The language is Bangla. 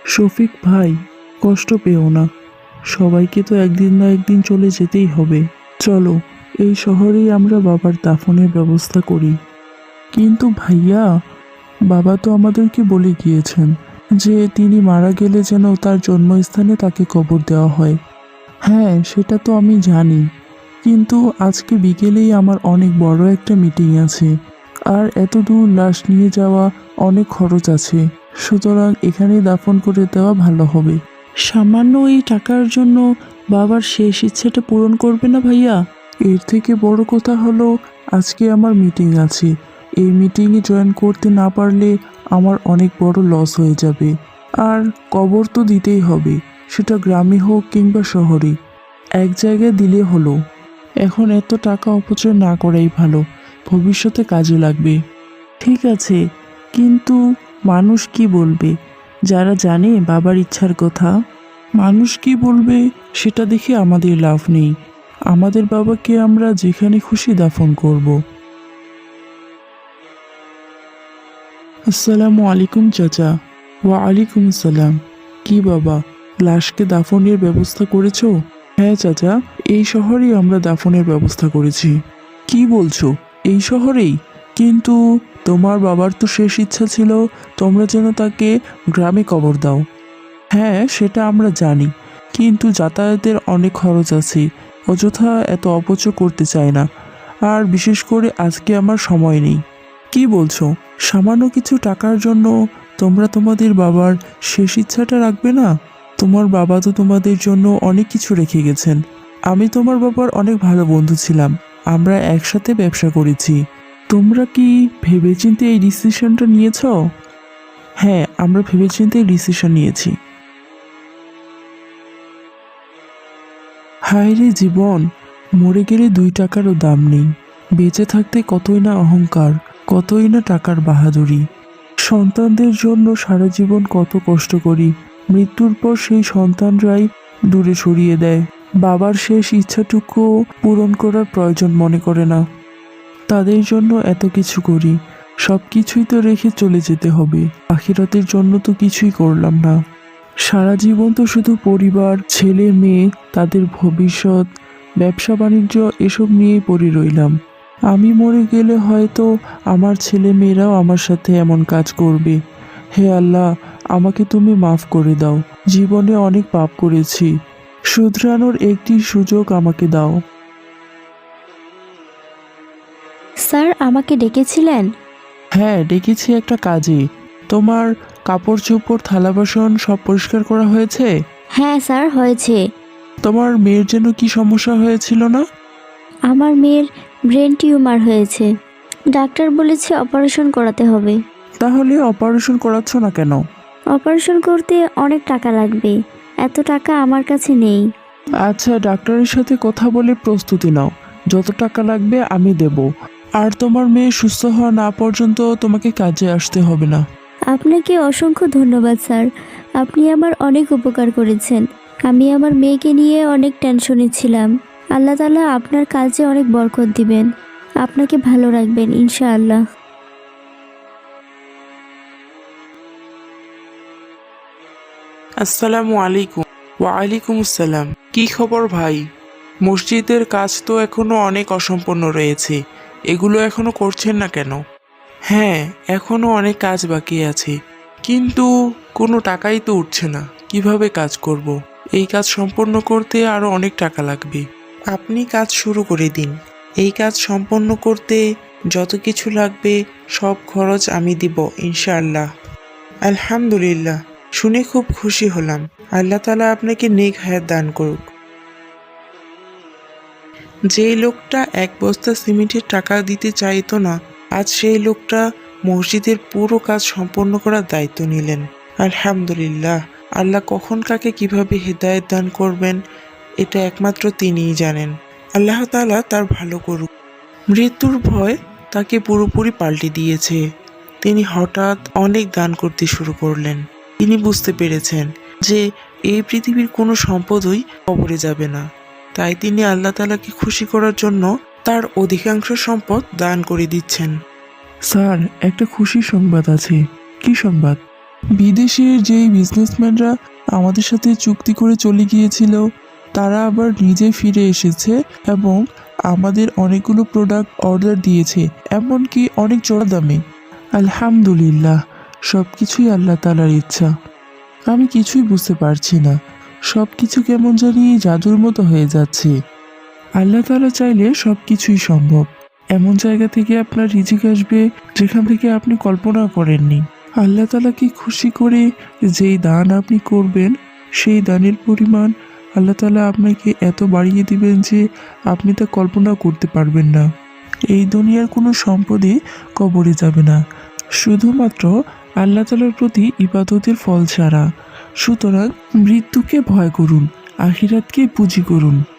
শফিক ভাই, কষ্ট পেও না। সবাইকে তো একদিন না একদিন চলে যেতেই হবে। চলো, এই শহরেই আমরা বাবার দাফনের ব্যবস্থা করি। কিন্তু ভাইয়া, বাবা তো আমাদেরকে বলে গিয়েছেন যে তিনি মারা গেলে যেন তার জন্মস্থানে তাকে কবর দেওয়া হয়। হ্যাঁ, সেটা তো আমি জানি, কিন্তু আজকে বিকেলেই আমার অনেক বড় একটা মিটিং আছে, আর এত দূর লাশ নিয়ে যাওয়া অনেক খরচ আছে। সুতরাং এখানেই দাফন করে দেওয়া ভালো হবে। সামান্য এই টাকার জন্য বাবার শেষ ইচ্ছেটা পূরণ করবে না ভাইয়া? এর থেকে বড় কথা হলো, আজকে আমার মিটিং আছে। এই মিটিংয়ে জয়েন করতে না পারলে আমার অনেক বড় লস হয়ে যাবে। আর কবর তো দিতেই হবে, সেটা গ্রামে হোক কিংবা শহরে, এক জায়গায় দিলে হলো। এখন এত টাকা অপচয় না করাই ভালো, ভবিষ্যতে কাজে লাগবে। ঠিক আছে, কিন্তু মানুষ কি বলবে যারা জানে বাবার ইচ্ছার কথা? মানুষ কি বলবে সেটা দেখে আমাদের লাভ নেই। আমাদের বাবাকে আমরা যেখানে খুশি দাফন করব। আসসালামু আলাইকুম চাচা। ওয়া আলাইকুম আসসালাম। কি বাবা, লাশকে দাফনের ব্যবস্থা করেছো? হ্যাঁ চাচা, এই শহরেই আমরা দাফনের ব্যবস্থা করেছি। কি বলছো, এই শহরেই? কিন্তু তোমার বাবার তো শেষ ইচ্ছা ছিল তোমরা যেন তাকে গ্রামে কবর দাও। হ্যাঁ, সেটা আমরা জানি, কিন্তু যাতায়াতের অনেক খরচ আছে, অযথা এত অপচয় করতে চাই না। আর বিশেষ করে আজকে আমার সময় নেই। কি বলছো, সামান্য কিছু টাকার জন্য তোমরা তোমাদের বাবার শেষ ইচ্ছাটা রাখবে না? তোমার বাবা তো তোমাদের জন্য অনেক কিছু রেখে গেছেন। আমি তোমার বাবার অনেক ভালো বন্ধু ছিলাম, আমরা একসাথে ব্যবসা করেছি। তোমরা কি ভেবেচিন্তে এই ডিসিশনটা নিয়েছো? হ্যাঁ, আমরা ভেবেচিন্তে এই ডিসিশন নিয়েছি। হায় রে জীবন, মরে গেলে 2 টাকারও দাম নেই। বেঁচে থাকতে কতই না অহংকার, কতই না টাকার বাহাদুরি। সন্তানদের জন্য সারা জীবন কত কষ্ট করি, মৃত্যুর পর সেই সন্তানরাই দূরে সরিয়ে দেয়। বাবার শেষ ইচ্ছাটুকু পূরণ করার প্রয়োজন মনে করে না। তাদের জন্য এত কিছু করি, সব কিছুই তো রেখে চলে যেতে হবে। আখিরাতের জন্য তো কিছুই করলাম না। সারা জীবন তো শুধু পরিবার, ছেলে মেয়ে, তাদের ভবিষ্যৎ, ব্যবসা বাণিজ্য এসব নিয়েই পড়ে রইলাম। আমি মরে গেলে হয়তো আমার ছেলে মেয়েরাও আমার সাথে এমন কাজ করবে। হে আল্লাহ, আমাকে তুমি মাফ করে দাও। জীবনে অনেক পাপ করেছি, শুধরানোর একটি সুযোগ আমাকে দাও। স্যার, আমাকে ডেকেছিলেন? হ্যাঁ, ডেকেছি একটা কাজে। তোমার কাপড় চোপড় থালা বাসন সব পরিষ্কার করা হয়েছে? হ্যাঁ স্যার, হয়েছে। তোমার মেয়ের যেন কি সমস্যা হয়েছিল না? আমার মেয়ের ব্রেন টিউমার হয়েছে, ডাক্তার বলেছে অপারেশন করাতে হবে। তাহলে অপারেশন করাচ্ছ না কেন? অপারেশন করতে অনেক টাকা লাগবে, এত টাকা আমার কাছে নেই। আচ্ছা, ডাক্তারের সাথে কথা বলে প্রস্তুতি নাও, যত টাকা লাগবে আমি দেব। আর তোমার মেয়ে সুস্থ হওয়া না পর্যন্ত তোমাকে কাজে আসতে হবে না। আপনাকে অসংখ্য ধন্যবাদ স্যার, আপনি আমার অনেক উপকার করেছেন। আমি আমার মেয়েকে নিয়ে অনেক টেনশনে ছিলাম। আল্লাহ তাআলা আপনার কাজে অনেক বরকত দিবেন, আপনাকে ভালো রাখবেন ইনশাআল্লাহ। আসসালামু আলাইকুম। ওয়া আলাইকুম আসসালাম। কি খবর ভাই? মসজিদের কাজ তো এখনো অনেক অসম্পূর্ণ রয়েছে, এগুলো এখনো করছেন না কেন? হ্যাঁ, এখনো অনেক কাজ বাকি আছে, কিন্তু কোনো টাকাই তো উঠছে না। কিভাবে কাজ করব? এই কাজ সম্পন্ন করতে আরো অনেক টাকা লাগবে। আপনি কাজ শুরু করে দিন। এই কাজ সম্পন্ন করতে যত কিছু লাগবে সব খরচ আমি দিব ইনশাআল্লাহ। আলহামদুলিল্লাহ, শুনে খুব খুশি হলাম। আল্লাহ তাআলা আপনাকে নেক হায়াত দান করুক। যেই লোকটা 1 বস্তা সিমেন্টের টাকা দিতে চাইতো না, আজ সেই লোকটা মসজিদের পুরো কাজ সম্পন্ন করার দায়িত্ব নিলেন। আলহামদুলিল্লাহ, আল্লাহ কখন কাকে কিভাবে হেদায়েত দান করবেন এটা একমাত্র তিনিই জানেন। আল্লাহ তাআলা তার ভালো করুক। মৃত্যুর ভয় তাকে পুরোপুরি পাল্টে দিয়েছে। তিনি হঠাৎ অনেক দান করতে শুরু করলেন। তিনি বুঝতে পেরেছেন যে এই পৃথিবীর কোনো সম্পদই কবরে যাবে না। তাই তিনি আল্লাহ তাআলাকে খুশি করার জন্য তার অধিকাংশ সম্পদ দান করে দিচ্ছেন। স্যার, একটা খুশির সংবাদ আছে। কি সংবাদ? বিদেশের যেই বিজনেসম্যানরা আমাদের সাথে চুক্তি করে চলে গিয়েছিল তারা আবার নিজে ফিরে এসেছে এবং আমাদের অনেকগুলো প্রোডাক্ট অর্ডার দিয়েছে, এমনকি অনেক চড়া দামে। আলহামদুলিল্লাহ, সব কিছুই আল্লাহ তাআলার ইচ্ছা। আমি কিছুই বুঝতে পারছি না, সব কিছু কেমন জানি জাদুর মতো হয়ে যাচ্ছে। আল্লাহ তাআলা চাইলে সব কিছুই সম্ভব। এমন জায়গা থেকে আপনার রিজিক আসবে যেখান থেকে আপনি কল্পনা করেননি। আল্লাহ তাআলা কি খুশি করে যেই দান আপনি করবেন সেই দানের পরিমাণ আল্লাহ তাআলা আপনাকে এত বাড়িয়ে দিবেন যে আপনি তা কল্পনা করতে পারবেন না। এই দুনিয়ার কোনো সম্পদই কবরে যাবে না, শুধুমাত্র আল্লাহ তাআলার প্রতি ইবাদতের ফল ছাড়া। সুতরাং মৃত্যুকে ভয় করুন, আখিরাতকে পুঁজি করুন।